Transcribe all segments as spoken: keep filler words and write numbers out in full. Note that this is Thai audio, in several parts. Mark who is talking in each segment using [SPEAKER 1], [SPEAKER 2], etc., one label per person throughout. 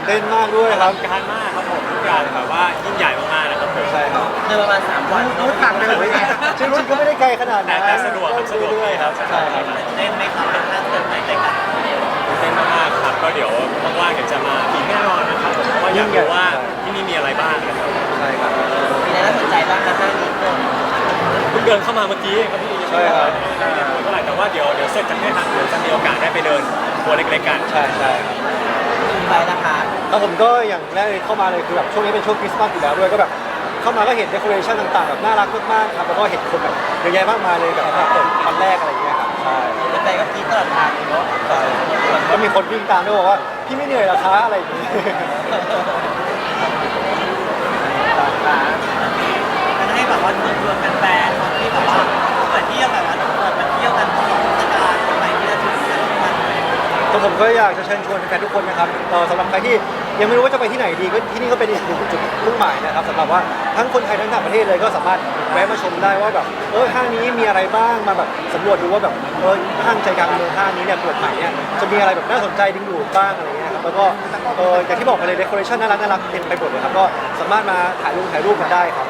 [SPEAKER 1] เต้นมากด้วยครับ
[SPEAKER 2] การมากครับผมทุกอย่างแบบว่ายิ่งใหญ่มากๆนะครับผม
[SPEAKER 1] ใช่ครับ
[SPEAKER 3] เดินประมาณสามวัน
[SPEAKER 4] รู้ทางเดินเลยไง
[SPEAKER 1] จริงๆก็ไม่ได้ไกลขนาด
[SPEAKER 2] แต่
[SPEAKER 1] นั้น
[SPEAKER 2] แต่สะดวกครับสะดวก
[SPEAKER 1] เรื่อยๆครับใช่ครับ
[SPEAKER 3] เต้นไหมครับเป็นท่าเต้นไหมแต่กัน
[SPEAKER 2] เต้นมากๆครับก็เดี๋ยวว่างๆเดี๋ยวจะมาอีกแน่นอนนะครับผมเพราะว่าอยากรู้ว่าที่นี่มีอะไรบ้างนะครับ
[SPEAKER 1] ใช่ครับ
[SPEAKER 3] มีอะไรน่าสนใจบ้างนะห้างนี้เดิน
[SPEAKER 2] เพิ่งเดินเข้ามาเมื่อกี้เองครับพี่ยังไม่ได้เท่าไหร่แต่ว่าเดี๋ยวเดี๋ยวเสร็จจากนี้ครับเดี๋ยวจะมีโอกาสได้ไปเดินตัวเล็กๆกัน
[SPEAKER 1] ใช่ใช่ครับ
[SPEAKER 3] ไปนะคะ
[SPEAKER 1] แล้วผมก็อย่างแรกเลยเข้ามาเลยคือแบบช่วงนี้เป็นช่วงคริสต์มาสอยู่แล้วด้วยก็แบบเข้ามาก็เห็นเดคอเรชั่นต่างๆแบบน่ารักมากๆครับแล้วก็เห็นคนแบบเยอะแยะมากมายเลยแบบเปิดวันแรกอะไรอย่างเงี้ยครับใช่
[SPEAKER 3] ไปกับพี่ตลอดทางเลยเนาะ
[SPEAKER 1] ใช่ก็มีคนวิ่งตามด้วยบอกว่าพี่ไม่เหนื่อยเหรอคะอะไรอย่างงี้
[SPEAKER 3] มันให้แบบว่าชวนชวนแฟนๆที่แบบว่าเปิดเที่ยวแบบว่าเปิดมาเที่ยวกันตลอดเทศกาลไปที่จะถึงกันทุกวันเลย
[SPEAKER 1] ก็ผมก็อยากจะเชิญชวนแฟนๆทุกคนนะครับเอ่อสำหรับใครที่ยังไม่รู้ว่าจะไปที่ไหนดีก็ที่นี่ก็เป็นอีกหนึ่งจุดมุ่งหมายนะครับสำหรับว่าทั้งคนไทยทั้งต่างประเทศเลยก็สามารถแวะมาชมได้ว่าแบบเออห้างนี้มีอะไรบ้างมาแบบสำรวจดูว่าแบบเออห้างใจกลางเมืองห้างนี้เนี่ยเปิดใหม่เนี่ยจะมีอะไรแบบน่าสนใจดึงดูดบ้างอะไรเงี้ยครับแล้วก็เอออย่างที่บอกไปเลยเดคอเรชั่นน่ารักน่ารักเต็มไปหมดเลยครับก็สามารถมาถ่ายรูปถ่ายรูปกันได้ครับ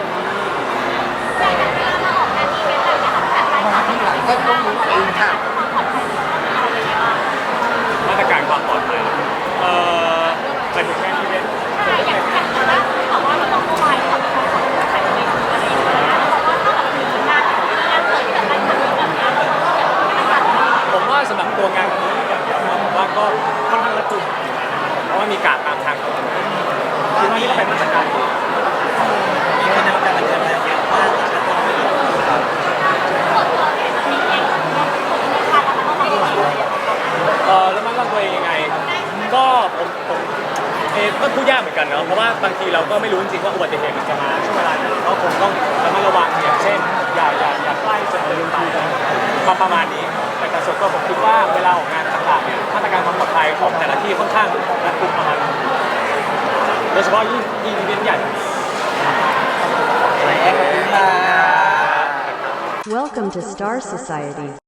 [SPEAKER 4] ก็ต้องรู้เองค่ะ
[SPEAKER 2] มาตรการความปลอดภัยเอ่อไปถึงแค่ที่เล่นผมว่าสำหรับตัวงานนี้อย่างเดียวนะผมว่าก็ค่อนข้างรัดกุมเพราะว่ามีการตามทางของคือนี่ก็เป็นมาตรการที่
[SPEAKER 3] มีคนในวงการบันเทิงเยอะมากแล้วก็ไม่รู้
[SPEAKER 2] เออแล้วมันระวังตัวเองยังไง ก็ผมผมเองก็พูดยากเหมือนกันเนาะเพราะว่าบางทีเราก็ไม่รู้จริงๆว่าอุบัติเหตุมันจะมาช่วงเวลาไหนก็คงต้องระมัดระวังอย่างเช่นอย่าอย่าอย่าใกล้จนลืมไปประประมาณนี้แต่แต่ส่วนตัวผมคิดว่าเวลาออกงานต่างๆเนี่ยมาตรการความปลอดภัยของแต่ละที่ค่อนข้างรัดกุมประมาณนึงโดยเฉพาะยิ่งยิ่งอีเวนต์ใหญ่
[SPEAKER 3] ไหนแอร์ขอบคุณค่ะ
[SPEAKER 5] Welcome to Star Society.